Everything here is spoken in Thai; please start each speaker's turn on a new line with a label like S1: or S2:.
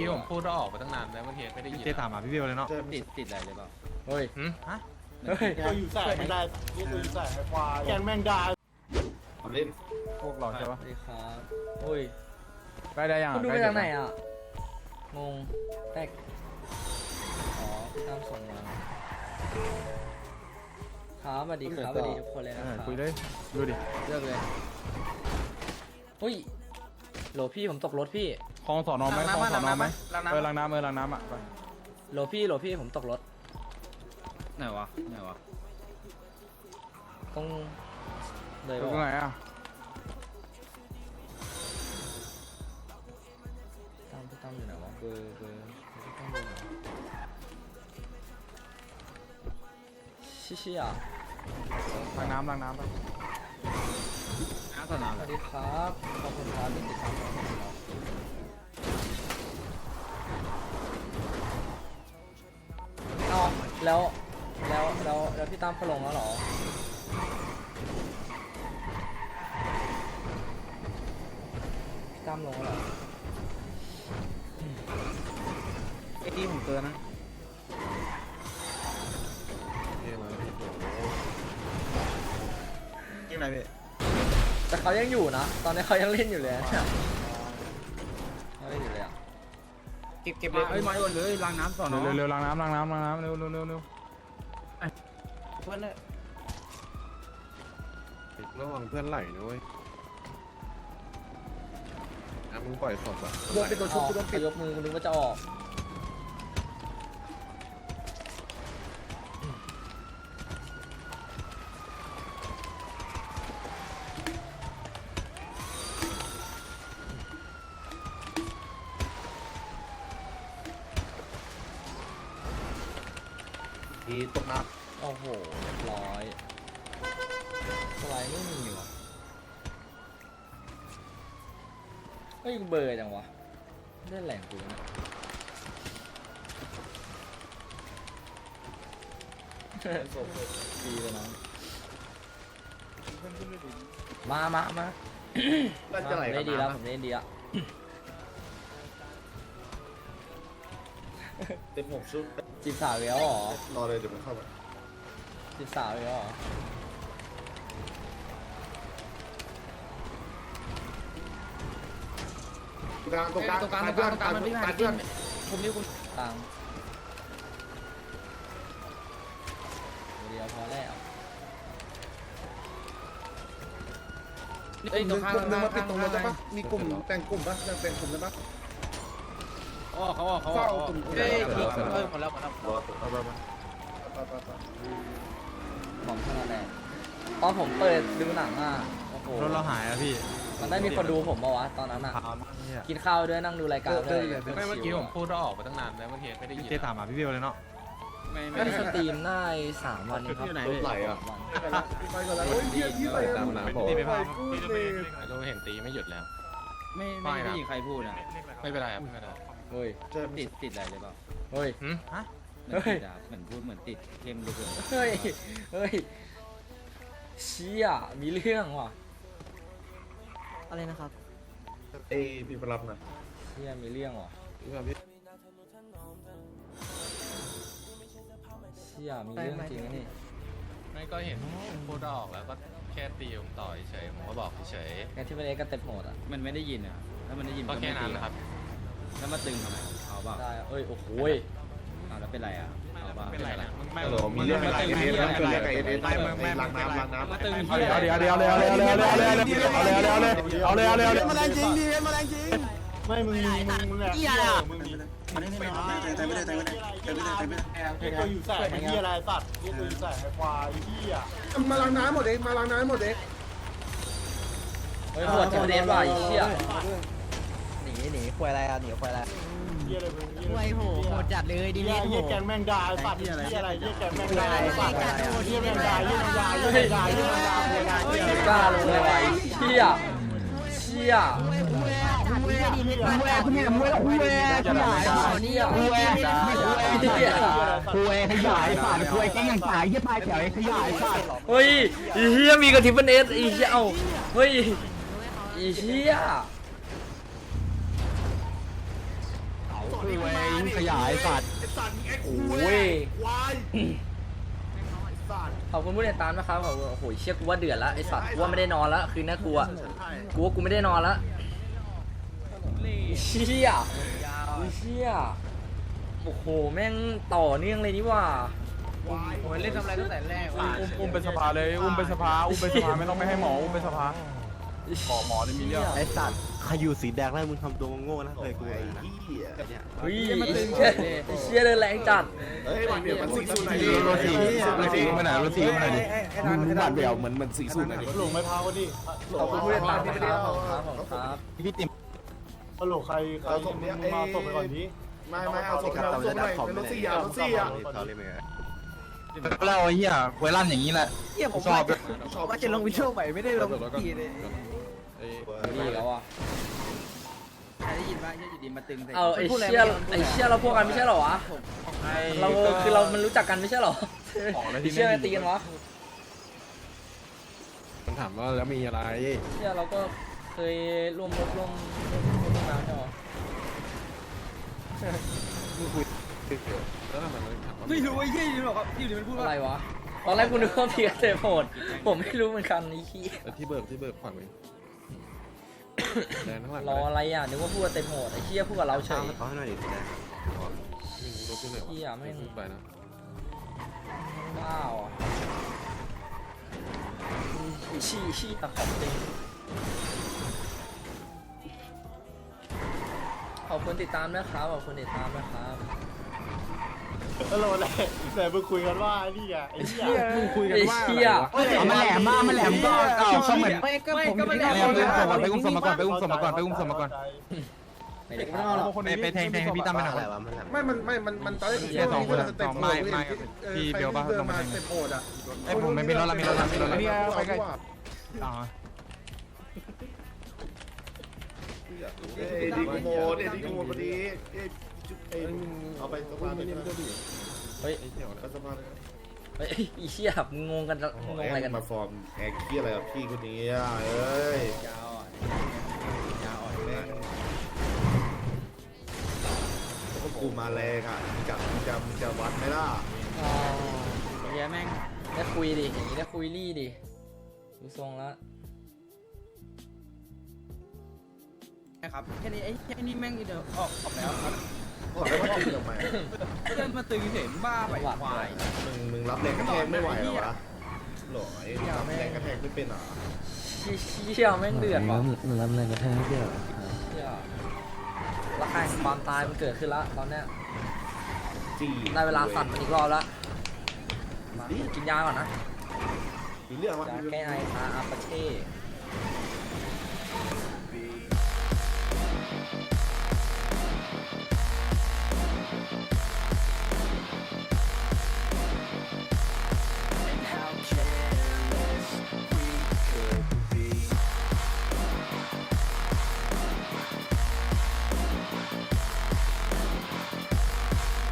S1: กี้ผมพูดว่าออกไปตั้งนานแล้วเมื่อกี้ไม่ได้ยิน
S2: เจถามหาพี่เบลเลยเนาะ
S3: ติดอะไรเลยเปล่าเฮ้ย
S1: ฮะ
S3: เฮ้ย
S4: ตัวอยู่ใส่ไม่ได้ตัวอยู่ใส่ไอ้ควายแกงแมงดา
S2: พวกเราใช่
S3: ส
S2: ปะ
S3: วัสดีครับเฮ้ย
S2: ใกล้ได้ยัง
S3: คุณดูมาจากไหนอ่ะงงแตกอ๋อพี่ตั้มส่งมาครับสวัสดีครับสวัสดีทุกคนเลยนะครับ
S2: คุยเลยดูดิ
S3: เลือกเลยเฮ้ยโหลพี่ผมตกรถพี่
S2: คลองสอนอไหมคลองสอนอไหมล้างน้ำล้างน้ำอ่ะไป
S3: โหลพี่ผมตกรถ
S5: ไหนวะไหนวะ
S3: ต้องเลย
S2: ตรง
S3: ว่า
S2: ไหนอ่ะ
S3: พี่ตั้มอยู่ไหนวะเบอร์พี่ตั้มอยู่ไหนชิอ่ะ
S2: ล้างน้ำไป
S5: น้ำสนาม
S3: สวัสดีครับขอบคุณครับที่ติดตามผมเอาแล้วพี่ตั้มเขาลงแล้วเหรอพี่ตั้มลงแล้วเหรอ
S5: ไอ้ที่ผมเตือนนะ
S2: กินอะไรพี่
S3: แต่เขายังอยู่นะตอนนี้เขายังเล่นอยู่เลยนะเขาเล่นอยู่เลยอ่ะ
S5: เก็บเลยเอ้ยมาโยนเลยล้างน้ำสอนอ
S2: เร็วล้างน้ำเร็ว
S5: เพื่อนเลย
S6: ระวังเพื่อนไหลนะเว้ยมึงปล่อยศพอ่ะ
S3: โดนเป็นตัวชุบโดนปิดยกมือนึกว่าจะออก
S6: ทีตกน้
S3: โอ้โหเรียบร้อยสไลด์ไม่มีว่ะเฮ้ยเบอร์จังวะเล่นแหลงกูนะดีเลยน้องมา
S6: ำน่าจะไหล
S3: ได้ดีแล้วผมได้ดีแล้ว
S6: เต็มหกชุด
S3: จีบสาวแล้วเหรอ
S6: รอเลยเดี๋ยวมันเข้ามา
S3: จีบสาวแล้วเหรอ
S6: ตรงกลางมันพี่เพื่อน
S5: ผมนี่คุณ
S3: ตังเดียวพอแล้ว
S5: เอ้ยตรงข้าง
S6: นึงมาปิดตรงนั้นได้ปะมีกลุ่มแต่งกลุ่มปะแต่งกลุ่มได้ปะ
S5: อ๋อเขา
S6: เฝ้ากลุ่ม
S5: เอ้ยหมดแล้ว
S6: รอเอาไป
S3: ของขนาดแรงตอนผมเปิดดูหนังอ่ะโอ้โห
S2: รถเราหายอ่ะพี่
S3: มันได้มีคนดูผมปะวะตอนนั้นอ่ะ
S2: ถามเนี่ย
S3: กินข้าวด้วยนั่งดูรายการด้วย
S1: ไม่เมื่อกี้ผมพูดว่าออกไปตั้งนานแล้วเมื่อกี้ไม่ได้ยิน
S2: เจถามหาพี่เบลเลยเนาะ
S3: ไม่ได้สตรีมได้3 วันครับ
S6: รถไหลอ่ะ
S3: วัน
S6: ไปก่อนแล้วโอ้ยพี่ไหลตามน้ำผม
S2: ตีไปพัง
S1: เราเห็นตีไม่หยุดแล้ว
S5: ไม่ได้ยินใครพูดอ่ะ
S1: ไม่เป็นไรครับไม่เป็นไร
S3: เฮ้ย
S5: ติดอะไรเลยเปล่า
S3: เฮ้ย
S1: ฮะ
S5: เหมือนพูดเหมือนติดเข้มเลย
S3: เฮ้ยเชี่ยมีเรื่องว่ะ
S7: อะไรนะครับ
S6: เอ้พี่ไปรับหน่อย
S3: เชี่ยมีเรื่องว่ะ
S6: พี่
S3: เชี่ยมีเรื่องจริงนะนี่
S1: ไม่ก็เห็นพูดว่าออกแล้วก็แค่ตีผมต่อเฉยผมก็บอกเฉย
S3: งั้นที่เป็นเอ็กซ์ก็เต็มโหดอ่ะ
S5: มันไม่ได้ยินอ่ะถ้ามันได้ยิน
S1: ก็แค่นั้นนะครับ
S5: แล้วมาตึงทำไมเอาเปล่า
S3: ได้เอ้ยโอ้โห
S5: เอาแล้วเป็นไรอ่ะเอาเปล่า
S1: ไม่เป็นไรนะไม่
S6: ฮัลโหลมีเรื่องอะไรเอเอสนะเรื่องอะไรเอเอสล้างน้ำ
S5: มาตึง
S2: เอาเลยมาแรงจริงดิมาแรงจริง
S4: ไม่มึงแหละมึงมีตัวอยู่ใส่ไอ้เหี้ยอะไรสัตว์ตัวอยู่ใส่ไอ้ควายเหี้ย
S6: มาล้างน้ำหมดเองมาล้างน้ำหมดเอง
S3: เฮ้ยโหดที่เป็นเอ็กซ์ว่ะไอ้เชี่ย
S7: หนีควายอะไรอ่ะหนีควายอะไร
S4: เหี้ยอะไรมึง
S7: ควายโหดจัดเลยดิ
S4: เหี้
S7: เล่
S4: ย
S7: นโห
S4: เหี้ย
S7: ด
S4: แกงแมงดาสัตว์เหี้ยอะไรเหี้ยแกงแมงดาสัตว์เหี้ยแมงดาเหี้ยแมงดาเหี้ยแมงดาเหี้ยแมงดาเหี้ยแมงดาเหี้ยแมง
S3: กล้า
S4: ดา
S3: ลงเลยว่ะไอ้เชี่ยเชี่ย
S7: ขยายฝาดควายแกงอย่างตายยี่ปลายแถวขยายฝาด
S3: เฮ้ยไอ้เชี่ยมีกระทิบเป็นเอสไอ้เชี่ยเอ้าเฮ้ยไอ้เชี่ย
S4: ส
S2: ไอ้สัตว์
S6: ไอ้สัตว์ไอ้คุ
S3: โอ้ย
S6: ควายไอ้สัตว์
S3: ขอบคุณผู้ติดตามนะครับขอบคุณโอ้โหเชี่ยกูว่าเดือดละไอสัตว์กูว่าไม่ได้นอนละคืนนี้กูอะกูว่ากูไม่ได้นอนละเชี่ยเชี่ยโอ้โหแม่งต่อเนื่องเลยนี่ว่า
S4: โอ้ยเล่นทำอะไรตั้งแต่แรกวะ
S2: อุ้มไปสภาเลยอุ้มไปสภาไม่ต้องไม่ให้หมออุ้มไปสภาขอหมอได้มีเรื่อง
S8: ไอ้สัตว์ใครอยู่สีแดงแล้วมึงทำตัวโง่นะเคยกู
S6: ไอ้
S8: นะ
S6: เหี้ย
S3: เฮ้ยเชี่ยเดินแรงจัด
S6: เฮ้ยมันเดี๋ยวมันสีสูนไหนดิ
S2: รถทีมาไหนรถทีมาไหนดิ
S8: มึงบาดเบี่ยวเหมือนสีสูตรนะดิ
S4: หลงไม่พาวันนี้
S3: ขอบคุณผู้ติดตามนะครับขอบคุณครับขอบคุณครับ
S2: พี่ติ๋ม
S4: ฮัลโหลใครมาส่งไปก่อนนี้
S6: ไม่เอาส่งเราส่งหน่อยเป็นรถสี่อ่ะรถสี่อ่ะ
S8: เขาเรียกไง
S2: เราไอ้เหี้ยเวลั่นอย่างนี้แหละ
S7: เฮียผม
S2: ชอบ
S7: ว่าจะลงวิดีโอใหม่ไม่ได้ลงทีเลย
S3: นี่แล้วอ่ะ
S5: ใครได้ยินว่าเฮียอยู่ดีมาตึงใส่
S3: เอาไอ้เชี่ยเราพวกกันไม่ใช่เหรอวะเราคือเรามันรู้จักกันไม่ใช่เหรอเชี่ยตีกันวะ
S8: มันถามว่าแล้วมีอะไร
S3: เชี่ยเราก็เคยร่วมรบร่วมมาใช่เหรอ
S7: ไม่รู้ไอ้เฮียอยู่หรอกครับอยู่ดีมันพูดว่า
S3: อะไรวะตอนแรกกูนึกว่าเพียเตะโหดผมไม่รู้เหมือนกันไอ้ขี้
S8: ที่เบิกขวัญไว้แดงทั้งหลัง
S3: รออะไรอ่ะนึกว่าพูดเต็มโหดไอ้เชี่ยพูดกับเราเฉย
S8: เขาให้หน่อยดิแดง
S3: เชี่ยไม่ง
S8: ไปนะ
S3: ว้าวอ่ะชี้ตะขอบจริงขอบคุณติดตามนะครับขอบคุณติดตามนะครับ
S4: ฮัลโหลไหนมึงคุยกันว่านี่ไงไอ้เหี้ย
S8: มึงคุยกันว่า
S3: เชี่ย
S2: มันแหลมมากมันแหลมก็เข้าเหมือน
S7: ไม่ก็ผมอยู่ที่
S2: ไปอุ้มศพมาก่อนไปอุ้มศพมาก่อนไปอุ้มศพมาก่อน
S3: ไม่ได้ครับ
S2: ไปแทงให้พี่ตั้มไปหน่อย
S8: อะไรวะมัน
S6: มันตอนแรก
S2: แค่สองคนสองไม่พี่เบลป่ะลงมาแทง
S6: เต็มโหดอ่ะ
S2: ไอ้ผมไม่มีรถละมีรถละมีรถละ
S6: ไปใกล้
S2: อ๋อ
S6: เอ็ดดี้กูโมดพอดีเอาไปสะพานเลย
S3: เฮ้ย
S6: ไปสะพานเลย
S3: เฮ้ยอีเชี่ยมึงงงกันงงอะไรกัน
S6: มาฟอร์มแอคเคียอะไรกับพี่คนนี้อ่ะเอ้ย
S5: ยาวอ่อน
S6: แม่งกูมาแรงอ่ะมึงจะวัดไหมล่ะ
S3: อ๋อ
S5: เฮียแม่ง
S3: ได้คุยดิอย่างนี้ได้คุยรี่ดิดูทรงแล้ว
S5: ครับแค่นี้ไอ้แค่นี้แม่งเดี๋ยวออกแล้วครับ
S6: บอกแล้วว่าตีทำไม
S5: เดินมาตึงเห็นบ้าไปควาย
S6: มึงรับแรงกระแทกไม่ไหวเหรอวะหรอไอ้รับแรงกระแทกไม่เป็นเหรอ
S3: เชี่ยแม่งเดือดว่ะ
S7: มันรับแรงกระแทกเยอะ
S3: เชี่ยราคาความตายมันเกิดขึ้นแล้วตอนเนี้ย
S6: จี้
S3: ได้เวลาสั่นมันอีกรอบแล้วมากินยาก่อนนะ
S6: มีเรื่องวะ
S3: ยาแก้ไอทาอาปาเช่